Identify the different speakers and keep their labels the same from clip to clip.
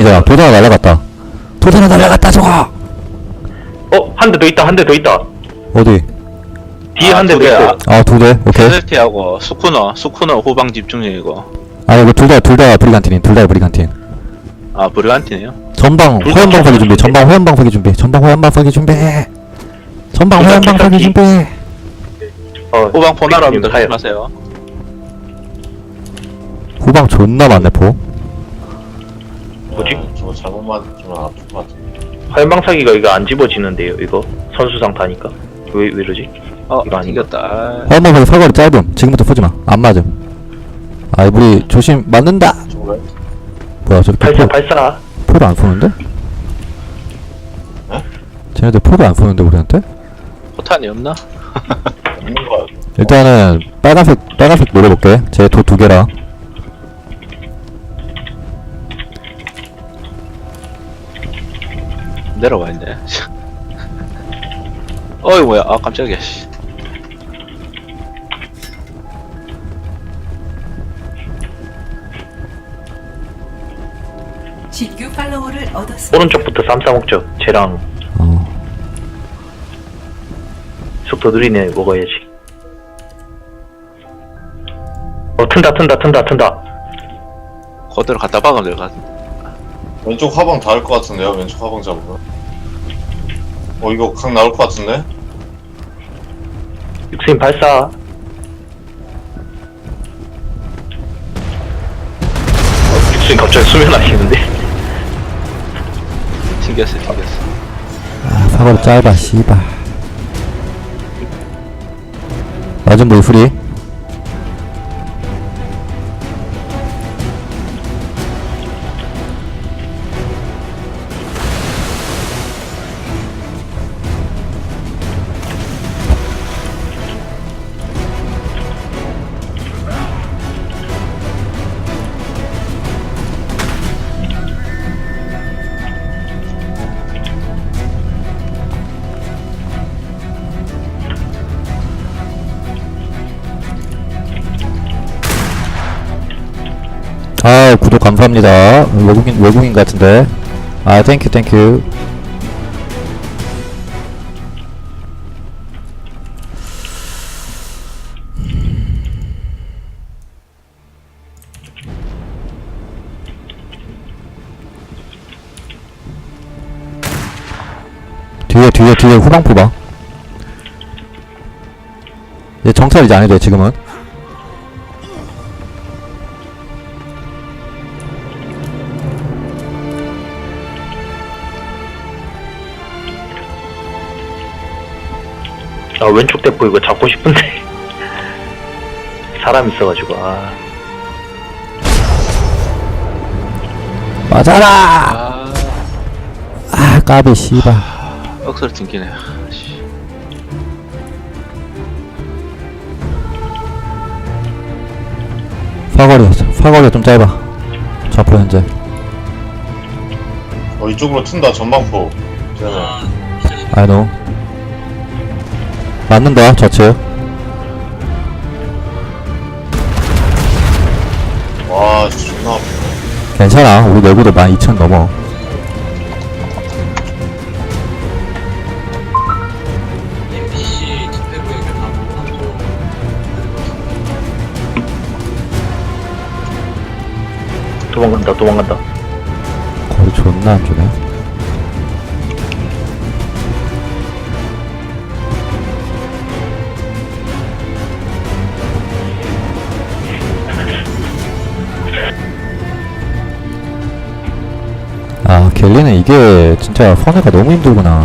Speaker 1: 이제 도전아 날라갔다. 도전아 날라갔다 저거.
Speaker 2: 한 대 더 있다, 한 대 더 있다.
Speaker 1: 어디?
Speaker 2: 뒤에 한 대 더 있어요.
Speaker 1: 아, 두 대. 오케이.
Speaker 3: 스텔티하고 스쿠너 후방 집중 중이고.
Speaker 1: 아, 이거 둘 다 브리간틴인. 둘 다 브리간틴.
Speaker 3: 아, 브리간티네요.
Speaker 1: 전방
Speaker 2: 둘다
Speaker 1: 화염방 사기 준비. 전방 화염방 사기 준비. 전방 화염방 사기 준비. 전방
Speaker 2: 둘다
Speaker 1: 화염방 사기
Speaker 2: 킥사기.
Speaker 1: 준비.
Speaker 3: 후방 포나라입니다.
Speaker 2: 가요.
Speaker 3: 조심하세요.
Speaker 1: 후방 존나 많네 포.
Speaker 2: 뭐지?
Speaker 4: 저거 잘못 맞으면 아플 것 같아.
Speaker 2: 화염방사기가 이거 안 집어지는데요, 이거? 선수상 타니까. 왜 이러지? 이거 아닌가?
Speaker 3: 튕겼다.
Speaker 1: 화염방 사기 사거리 짧음. 지금부터 쏘지마. 안 맞음. 아이 우리 조심. 맞는다.
Speaker 4: 저거 왜?
Speaker 1: 뭐야 저기
Speaker 2: 발사, 발사.
Speaker 1: 포를 안 쏘는데?
Speaker 4: 에?
Speaker 1: 쟤네들 포를 안 쏘는데 우리한테?
Speaker 3: 포탄이 없나?
Speaker 4: 없는 거야.
Speaker 1: 일단은 빨간색 노려볼게. 제 도 2개라.
Speaker 3: 내려와 있네. 어이 뭐야? 아 깜짝이야. 씨.
Speaker 5: 신규 팔로워를 얻었습니다.
Speaker 2: 오른쪽부터 쌈싸먹죠. 쟤랑
Speaker 1: 어.
Speaker 2: 속도 느리네, 먹어야지. 튼다.
Speaker 3: 그대로 갖다 박으면 될 것 같아.
Speaker 4: 왼쪽 화방 닿을 것 같은데요? 왼쪽 화방 잡으면. 이거 각 나올 것 같은데?
Speaker 2: 육수님 발사. 육수님 갑자기 수면하시는데?
Speaker 3: 튕겼어.
Speaker 1: 아 사거리 짧아 씨발. 맞은 물 프리. 아 구독 감사합니다. 외국인 같은데. 아 땡큐. 뒤에 후방포 봐. 얘 정찰 이제 안 해도 돼 지금은.
Speaker 2: 아, 왼쪽 대포 이거 잡고 싶은데. 사람 있어가지고,
Speaker 1: 맞아라. 아 까비 씨발.
Speaker 3: 억수로 튕기네. 씨.
Speaker 1: 사거리가 좀 짧아. 좌포 현재.
Speaker 4: 이쪽으로 튼다, 전방포. 쟤네.
Speaker 1: I know. 맞는다 좌측.
Speaker 4: 와, 진짜 존나 아프네.
Speaker 1: 괜찮아. 우리 내구도 12,000 넘어.
Speaker 2: 도망간다.
Speaker 1: 거리 존나 안 주네. 아 갤리는 이게 진짜 선회가 너무 힘들구나.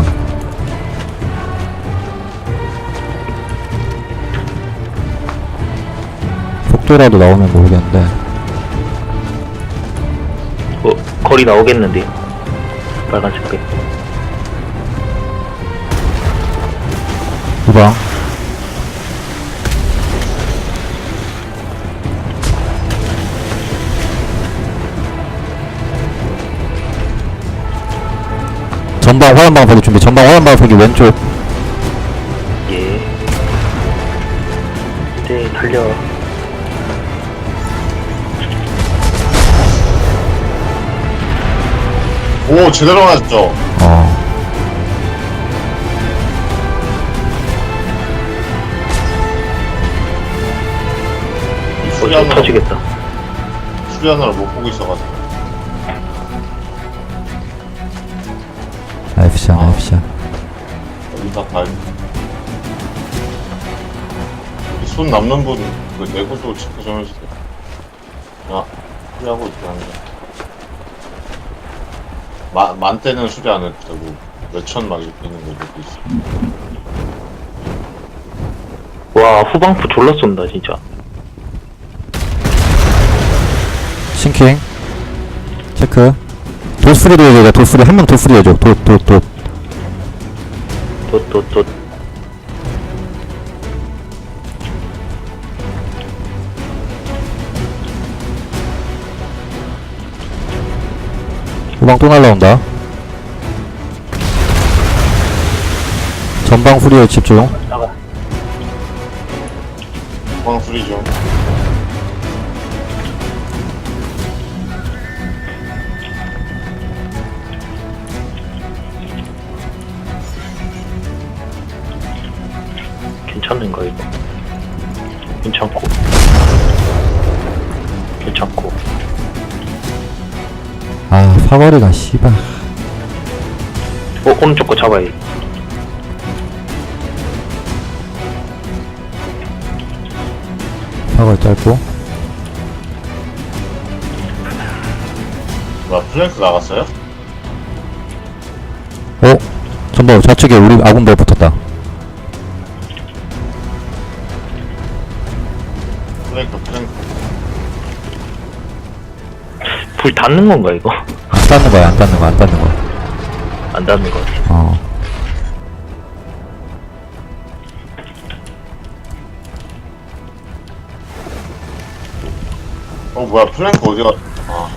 Speaker 1: 속도라도 나오면 모르겠는데.
Speaker 2: 거리 나오겠는데. 빨간색깔.
Speaker 1: 후방 전방 화염방 보기 준비. 전방 화염방 보기 왼쪽.
Speaker 2: 예. 네, 달려.
Speaker 4: 오, 제대로 맞았죠?
Speaker 2: 또 터지겠다.
Speaker 4: 수리하느라 못 보고 있어가지고.
Speaker 1: 나이프샷 나이프샷.
Speaker 4: 여기다 봐야 손 남는 분, 그 내구도 체크 좀 해주세요. 아, 수리하고 있긴 한데. 만대는 수리 안 해도 되고, 몇천 막 이렇게 있는 거 이렇게 있어.
Speaker 2: 와, 후방프 졸라 쏜다, 진짜.
Speaker 1: 싱킹 체크. 돌수리도 해줘. 돌수리 한 명 돌수리 해줘. 돛
Speaker 2: 또.
Speaker 1: 후방 또 날라온다. 전방 후리에 집중.
Speaker 4: 후방 수리 좀.
Speaker 2: 괜찮은가, 이거? 괜찮고.
Speaker 1: 아 사거리가 씨발.
Speaker 2: 오른쪽 거 잡아야.
Speaker 1: 사거리 짧고.
Speaker 4: 뭐야, 플랭크 나갔어요?
Speaker 1: 전방 좌측에 우리 아군배 붙었다.
Speaker 4: 플랭크.
Speaker 2: 불 닿는 건가, 이거?
Speaker 1: 안 닿는 거야. 안 닿는 거.
Speaker 2: 안 닿는 거 같아.
Speaker 4: 뭐야, 플랭크 어디가, 아,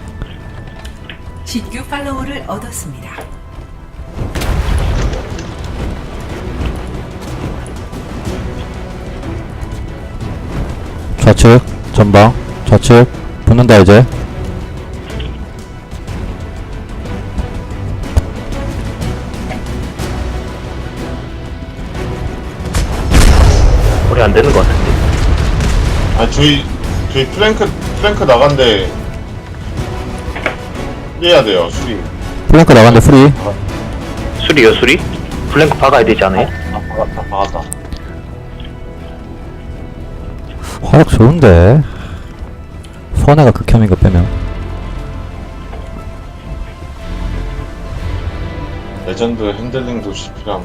Speaker 5: 신규 팔로워를 얻었습니다.
Speaker 1: 좌측 전방 좌측 붙는다 이제.
Speaker 2: 우리 안 되는 거 같은데.
Speaker 4: 아니, 저희 플랭크 나간데, 해야 돼요, 수리.
Speaker 1: 플랭크 나간데 프리.
Speaker 2: 수리요, 수리? 블랭크 박아야 되지 않아요?
Speaker 4: 박았다.
Speaker 1: 화력 좋은데 선해가 극혐인 거 빼면.
Speaker 4: 레전드 핸들링도 필요함.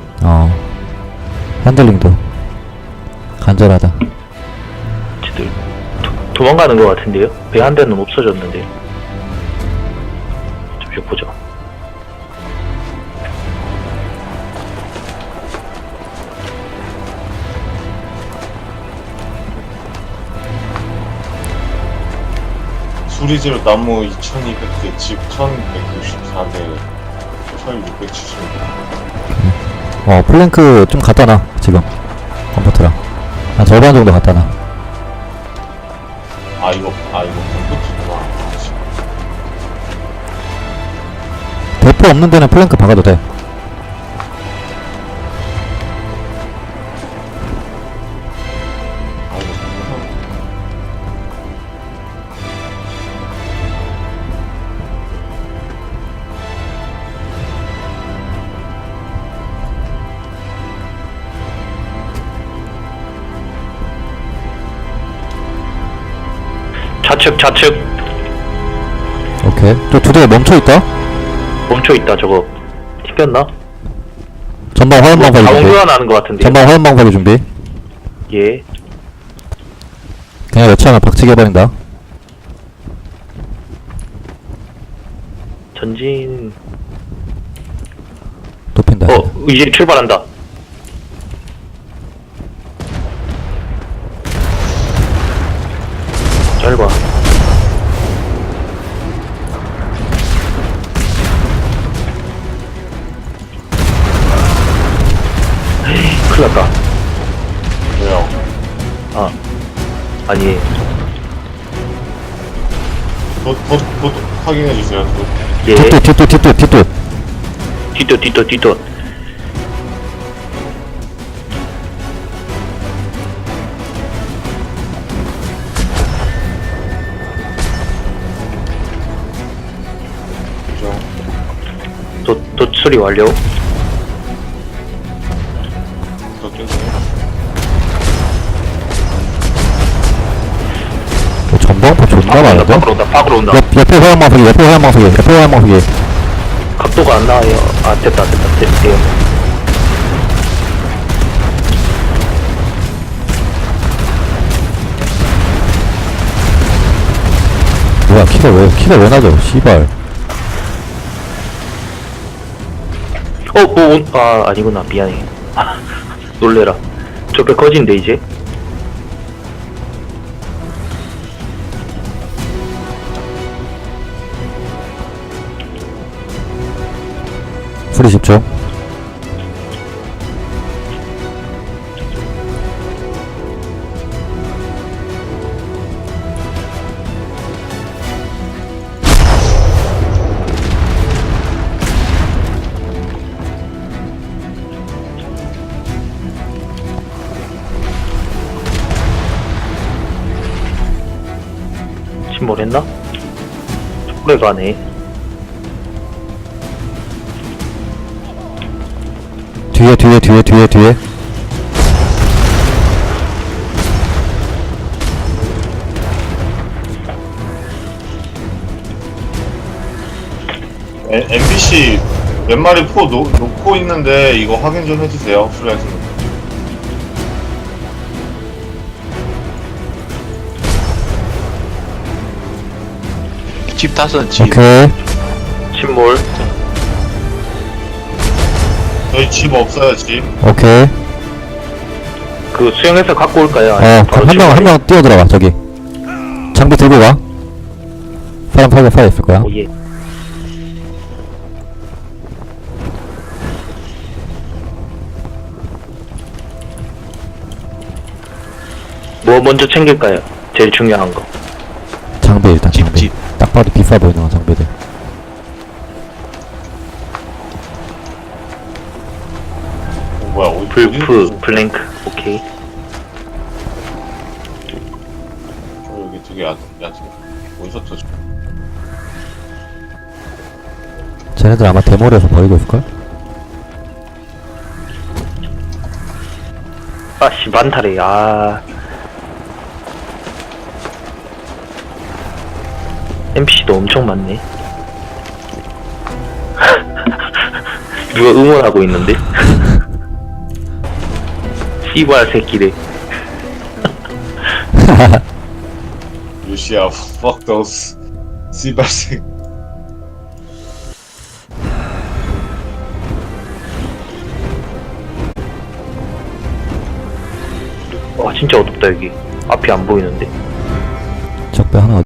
Speaker 1: 핸들링도 간절하다.
Speaker 2: 쟤들 도망가는 거 같은데요? 배 한 대는 없어졌는데. 잠시 보자.
Speaker 4: 수리지로 나무 2200개, 집 1164개, 1670개.
Speaker 1: 플랭크 좀 갖다 놔 지금. 컴퓨터랑 한 절반 정도 갖다 놔.
Speaker 4: 이거 컴퓨터구나.
Speaker 1: 대포 없는 데는 플랭크 박아도 돼.
Speaker 2: 좌측
Speaker 1: 오케이. 저 두 대 멈춰있다.
Speaker 2: 멈춰있다. 저거 튕겼나?
Speaker 1: 전방 화염방사기 준비.
Speaker 2: 자원교환 하는 거 같은데.
Speaker 1: 전방 화염방사기 준비.
Speaker 2: 예.
Speaker 1: 그냥 여차하면 박치기 해버린다.
Speaker 2: 전진.
Speaker 1: 높인다.
Speaker 2: 이제 출발한다. 잘 봐. 큰일 났다.
Speaker 4: 왜요?
Speaker 2: 아니.
Speaker 4: 곧 확인해주세요.
Speaker 2: 예.
Speaker 1: 뒷도.
Speaker 2: 뒤도. 도 처리 완료.
Speaker 4: 더 뛰네.
Speaker 1: 전방포 존나 많은데?
Speaker 2: 밖으로 온다.
Speaker 1: 옆에 화양망석이.
Speaker 2: 각도가 안 나와요. 아, 됐다. 됐대요.
Speaker 1: 뭐야, 키가 왜 나죠? 씨발.
Speaker 2: 아니구나. 미안해. 놀래라. 저 배 커진데, 이제?
Speaker 1: 프리 10초.
Speaker 2: 침몰했나? 오래 가네.
Speaker 1: 뒤에.
Speaker 4: MBC 몇 마리 포 놓고 있는데 이거 확인 좀 해주세요. 플라이트.
Speaker 3: 집 다섯 집.
Speaker 1: 오케이.
Speaker 2: 침몰.
Speaker 4: 저희 집 없어요, 집.
Speaker 1: 오케이.
Speaker 2: 그 수영해서 갖고 올까요?
Speaker 1: 한 명 뛰어들어가, 저기. 장비 들고 가. 사람 파괴 있을 거야.
Speaker 2: 예. 뭐 먼저 챙길까요? 제일 중요한 거.
Speaker 1: 장비 일단,
Speaker 3: 집.
Speaker 1: 딱 봐도 비싸 보이는 거, 장비들.
Speaker 4: 뭐야, 어디
Speaker 2: 불프, 블랭크, 오케이.
Speaker 4: 여기 되게 얕은. 어디서 터져?
Speaker 1: 쟤네들 아마 데모를 해서 버리고 있을걸?
Speaker 2: 아씨, 많다래, NPC도 엄청 많네. 누가 응원하고 있는데? 씨발 새끼래.
Speaker 4: 루시아, fuck those. 씨발생.
Speaker 2: 와, 진짜 어둡다 여기. 앞이 안 보이는데.
Speaker 1: 적배 하나